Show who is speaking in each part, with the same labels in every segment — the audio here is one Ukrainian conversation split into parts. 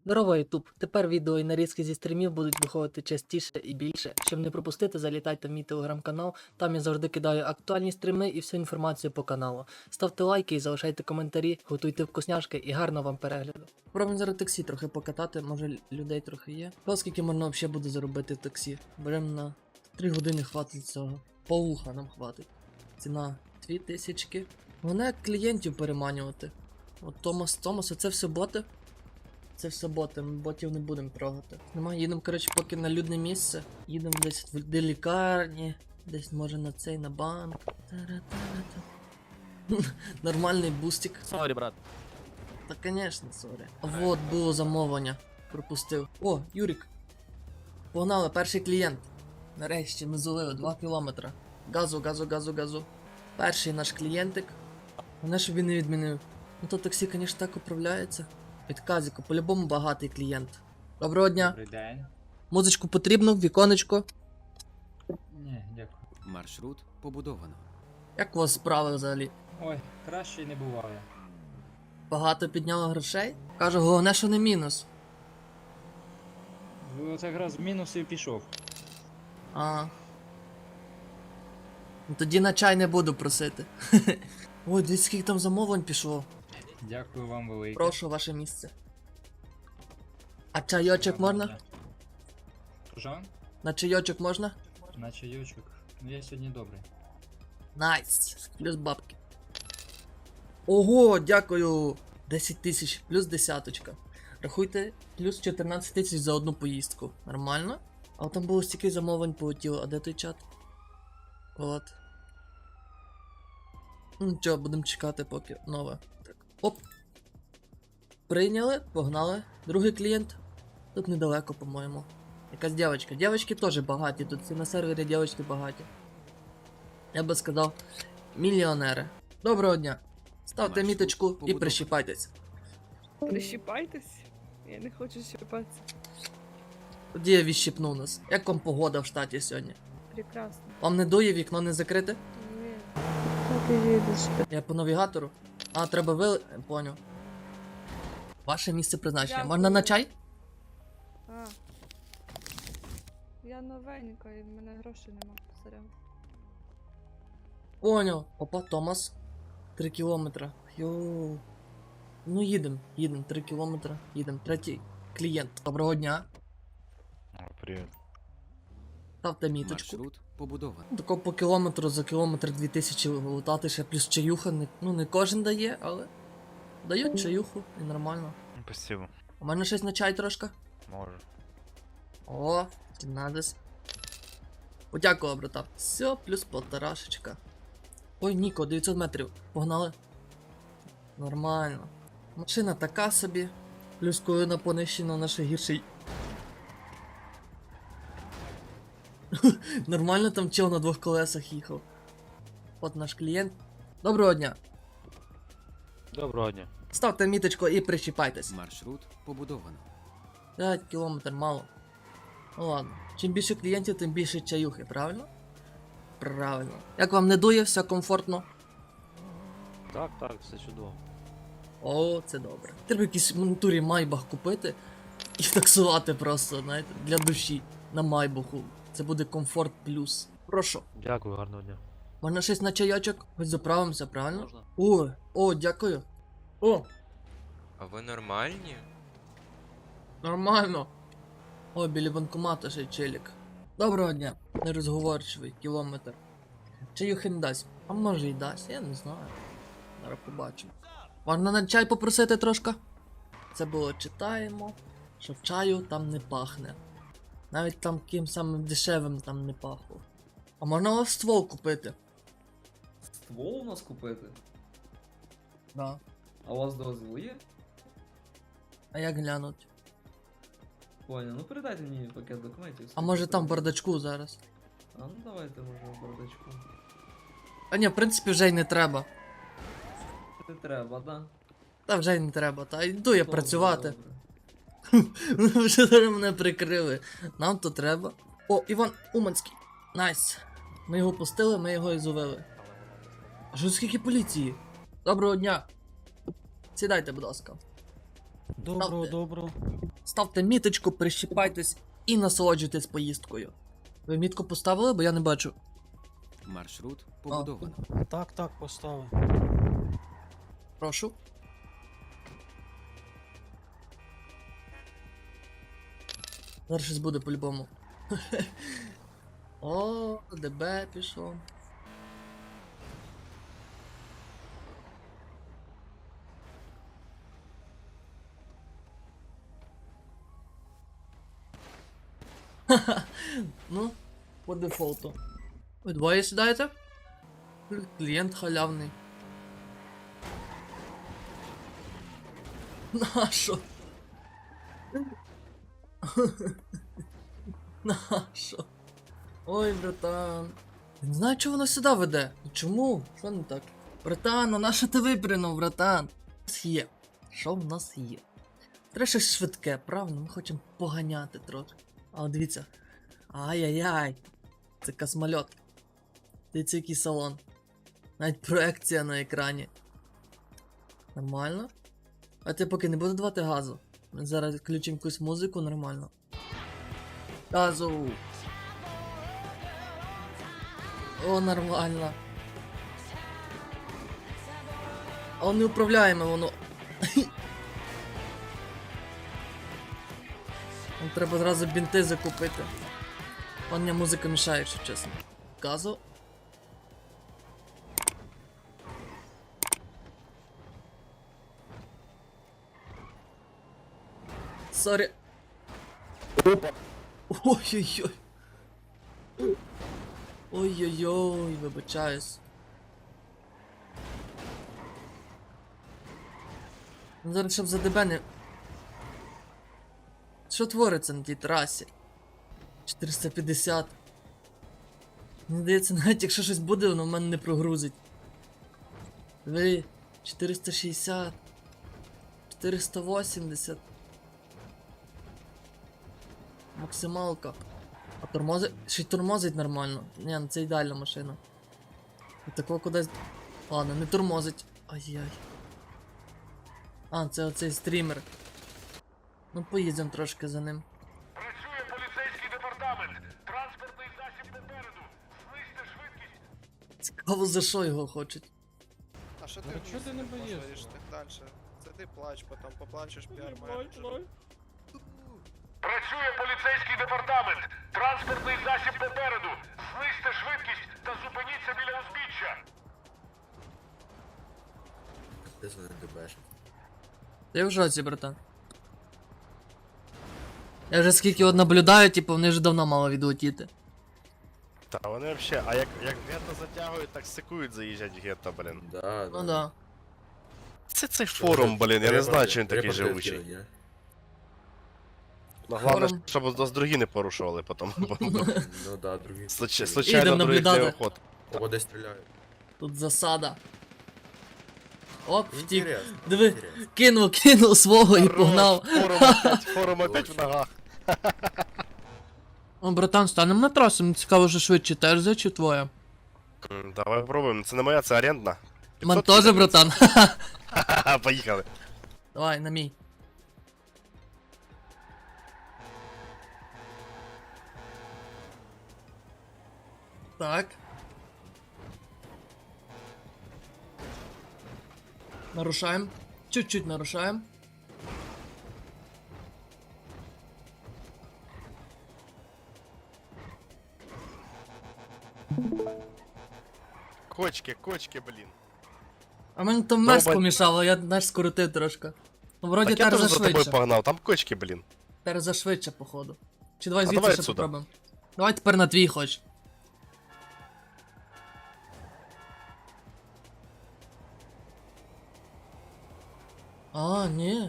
Speaker 1: Здорово, Ютуб! Тепер відео і нарізки зі стрімів будуть виходити частіше і більше. Щоб не пропустити, залітайте в мій телеграм-канал, там я завжди кидаю актуальні стріми і всю інформацію по каналу. Ставте лайки і залишайте коментарі, готуйте вкусняшки і гарного вам перегляду. Пробуємо зараз таксі трохи покатати, може людей трохи є. Скільки можна взагалі буде заробити в таксі? Беремо на 3 години хватить цього. Полуха нам хватить. Ціна 2000. Головне клієнтів переманювати. От Томас, це все боти. Це все боти, ми ботів не будемо трогати. Нема, їдемо, коротше, поки на людне місце. Їдемо десь до лікарні, десь може на цей, на банк. Нормальний бустик.
Speaker 2: Сорі, брат.
Speaker 1: Та конечно, сорі. Вот, було замовлення. Пропустив. О, Юрік. Погнали, перший клієнт. Нарешті ми зулили 2 кілометри. Газу. Перший наш клієнтик. Головне, щоб він не відмінив. Ну то таксі, звісно, так управляється. Від Казіка, по-любому багатий клієнт. Доброго дня.
Speaker 3: Добрий день.
Speaker 1: Музичку потрібно, віконечко.
Speaker 3: Ні, дякую.
Speaker 2: Маршрут побудовано.
Speaker 1: Як у вас справи взагалі?
Speaker 3: Ой, краще й не буває.
Speaker 1: Багато підняло грошей? Кажу, головне, що не мінус.
Speaker 3: Оце якраз з мінусів пішов.
Speaker 1: А. Ну, тоді на чай не буду просити. Ой, дивіться, скільки там замовлень пішло.
Speaker 3: Дякую вам велике.
Speaker 1: Прошу, ваше місце. А чайочок можна?
Speaker 3: Що?
Speaker 1: На чайочок можна?
Speaker 3: На чайочок. Ну я сьогодні добрий.
Speaker 1: Найс. Плюс бабки. Ого, дякую. 10 тисяч, плюс десяточка. Рахуйте, плюс 14 тисяч за одну поїздку. Нормально? А от там було стільки замовлень полетіло. А де той чат? От. Ну нічого, будемо чекати поки нове. Так. Оп. Прийняли, погнали. Другий клієнт. Тут недалеко, по-моєму. Якась дівчинка. Дівчатки теж багаті. Тут всі на сервері дівчатки багаті. Я би сказав, мільйонери. Доброго дня. Ставте
Speaker 2: Маршрут
Speaker 1: міточку і
Speaker 2: побудований.
Speaker 1: прищіпайтесь.
Speaker 4: Прищіпайтесь? Я не хочу щипатися.
Speaker 1: Тоді я відщипну нас. Як вам погода в штаті сьогодні?
Speaker 4: Прекрасно.
Speaker 1: Вам не дує, вікно не закрите?
Speaker 4: Ні. Так і їдеш.
Speaker 1: Я по навігатору. А, треба Поняв. Ваше місце призначення.
Speaker 4: Дякую.
Speaker 1: Можна на чай?
Speaker 4: А. Я новенька і в мене грошей нема. Сорян.
Speaker 1: Поняв. Опа, Томас. 3 кілометри. Йоу. Ну їдем, 3 кілометри. Їдем. Третій клієнт. Доброго дня.
Speaker 5: Привет.
Speaker 1: Ставте міточку.
Speaker 2: Маршрут побудовано.
Speaker 1: Тако по кілометру за кілометр 2000 лутати ще плюс чаюха. Не кожен дає, але дають чаюху і нормально.
Speaker 5: Спасибо.
Speaker 1: У мене щось на чай трошки.
Speaker 5: Може.
Speaker 1: О, надес. Подякував, брата. Все, плюс полторашечка. Ой, Ніко, 900 метрів. Погнали. Нормально. Машина така собі. Плюс коли на понищено наше гірший. Нормально там чел на 2 колесах їхав. От наш клієнт. Доброго дня.
Speaker 5: Доброго дня.
Speaker 1: Ставте міточку і прищіпайтесь.
Speaker 2: Маршрут побудовано.
Speaker 1: 5 кілометр мало. Ну ладно. Чим більше клієнтів, тим більше чаюхи, правильно? Правильно. Як вам не дує, все комфортно?
Speaker 5: Так, все чудово.
Speaker 1: О, це добре. Треба якийсь в натурі майбах купити і таксувати просто, знаєте, для душі на майбаху. Це буде комфорт плюс. Прошу.
Speaker 5: Дякую, гарного дня.
Speaker 1: Можна щось на чайочок? Хоч заправимося, правильно?
Speaker 5: Можна.
Speaker 1: О, дякую. О,
Speaker 6: А ви нормальні?
Speaker 1: нормально. О, біля банкомата ще й челік. Доброго дня. Нерозговорчивий, кілометр. Чаюхи не дасть. А може й дасть, я не знаю. Зараз побачимо. Можна на чай попросити трошки? Це було читаємо, що в чаю там не пахне. Навіть там ким самим дешевим там не пахло. А можна у вас ствол купити?
Speaker 7: Ствол у нас купити?
Speaker 1: Да.
Speaker 7: А у вас дозвіл є?
Speaker 1: А як глянуть?
Speaker 7: Понял, ну передайте мені пакет документів.
Speaker 1: А може там в бардачку зараз?
Speaker 7: А ну давайте може в бардачку.
Speaker 1: А ні, в принципі, вже й не треба.
Speaker 7: Не треба, да?
Speaker 1: Та вже й не треба, та йду я
Speaker 7: Добре,
Speaker 1: працювати.
Speaker 7: добре.
Speaker 1: Ви вже зараз мене прикрили. Нам то треба. О, Іван Уманський. Найс. Ми його пустили, ми його і зловили. А що скільки поліції? Доброго дня. Сідайте, будь ласка. Ставте.
Speaker 8: Добро.
Speaker 1: Ставте міточку, прищіпайтесь і насолоджуйтесь поїздкою. Ви мітку поставили, бо я не бачу.
Speaker 2: Маршрут побудовано.
Speaker 8: Так, поставив.
Speaker 1: Прошу. Зараз щось буде по-любому. О, ДБ пішов. Ну, по дефолту. Ви двоє сідаєте? Клієнт халявний. Нащо? Нащо? Ой, братан. Я не знаю, чого воно сюди веде. Чому? Що не так? Братан, ну нащо ти випрянув, братан? У нас є. Що в нас є? Треба щось швидке, правильно? Ми хочемо поганяти трохи. А от дивіться. Ай-яй-яй. Це космольот. Дивіться, який салон. Навіть проекція на екрані. Нормально? А ти поки не буду давати газу. Ми зараз включимо якусь музику нормально. Газу! О, нормально. А не управляємо воно. Нам треба зразу бінти закупити. Мені музика мішає, якщо чесно. Газу. Сорі. Опа. Ой-ой-ой. Ой-ой-ой, вибачаюсь. Ну, зараз щоб за ДБ не... Що твориться на тій трасі? 450. Мені здається, навіть якщо щось буде, воно в мене не прогрузить. Ви 460. 480. Максималка. А тормозить... Ще й тормозить нормально. Ні, ну це ідеальна машина. І такого кудись... Ладно, не тормозить. Ай-яй. А, це оцей стрімер. Ну поїдемо трошки за ним.
Speaker 9: Працює поліцейський департамент. Транспортний засіб попереду. Знизьте швидкість.
Speaker 1: Цікаво, за що його хочуть.
Speaker 10: А що ти
Speaker 8: Ну, чого ти не боїшся?
Speaker 10: так далі? Це ти плач, потім поплачеш піар-менеджеру.
Speaker 9: Працює поліцейський департамент. Транспортний засіб попереду. Знизьте швидкість та зупиніться біля узбіччя.
Speaker 1: Я в жоці, братан. Я вже скільки от наблюдаю, типу, вони вже давно мало відлетіти.
Speaker 11: Та вони вообще, а як гетто затягують, так секують заїжджать в гетто, блін.
Speaker 1: Ну да.
Speaker 11: Це цей форум, блін, я не знаю, чи він такий живучий. Ну, головне,
Speaker 1: Форум.
Speaker 11: щоб нас другі не порушували потім.
Speaker 6: Ну да, другі.
Speaker 11: Случайно
Speaker 1: Ідем
Speaker 11: других не
Speaker 1: наблюдати.
Speaker 11: охот.
Speaker 6: Кого десь стріляють.
Speaker 1: Тут засада. Оп, втік.
Speaker 6: Інтересно.
Speaker 1: Диви,
Speaker 6: інтересно.
Speaker 1: кинув свого і погнав.
Speaker 11: Форум опять в ногах.
Speaker 1: О, братан, станемо на трасу, мені цікаво, що швидше ТРЗ чи твоя?
Speaker 11: Давай попробуємо, це не моя, це орендна.
Speaker 1: Ман
Speaker 11: 500
Speaker 1: теж, братан.
Speaker 11: Ха-ха, поїхали.
Speaker 1: Давай, на мій. Так. Нарушаем. Чуть-чуть нарушаем.
Speaker 11: Кочки, блін.
Speaker 1: А мені там мерз
Speaker 11: Довбань.
Speaker 1: помішало, я наш скоротив трошки. Ну, вроді
Speaker 11: Так я
Speaker 1: тепер
Speaker 11: теж за тобою
Speaker 1: зашвидше.
Speaker 11: погнав, там кочки, блін.
Speaker 1: Тепер зашвидше, походу. Чи давай
Speaker 11: А
Speaker 1: звідси
Speaker 11: давай
Speaker 1: ще
Speaker 11: отсюда.
Speaker 1: попробуємо. Давай тепер на твій хоч. А, ні.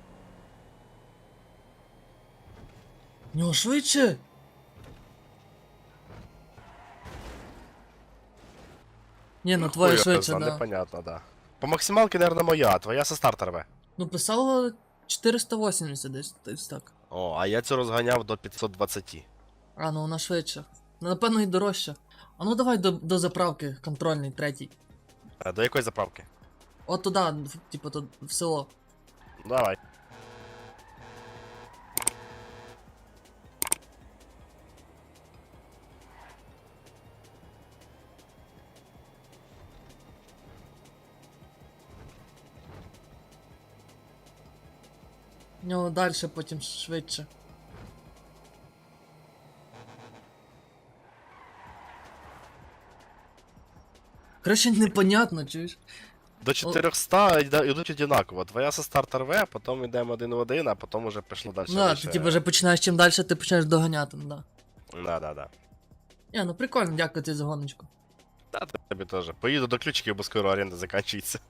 Speaker 1: В нього швидше. Ні, ну твоє
Speaker 11: Хуй
Speaker 1: швидше,
Speaker 11: його зна,
Speaker 1: да.
Speaker 11: непонятно, да. По максималки, наверное, моя, а твоя со старта рве.
Speaker 1: Ну писало 480 десь так.
Speaker 11: О, а я цю розганяв до 520.
Speaker 1: А, ну вона швидше. Ну, напевно, і дорожча. А ну давай до заправки, контрольний, третій.
Speaker 11: До якої заправки?
Speaker 1: От туди, типу, в село.
Speaker 11: Давай.
Speaker 1: В нього далі потім швидше. Короче, непонятно, чуєш?
Speaker 11: До 400 йдуть одинаково. Твоя со старта рве, потім йдемо один в один, а потім уже пішло далі.
Speaker 1: Ну, ти типу вже починаєш чим далі, ти починаєш доганяти, ну да.
Speaker 11: Да.
Speaker 1: Ні, ну прикольно, дякую тобі за гоночку.
Speaker 11: Та тобі теж. Поїду до ключиків, бо скоро оренда закінчується.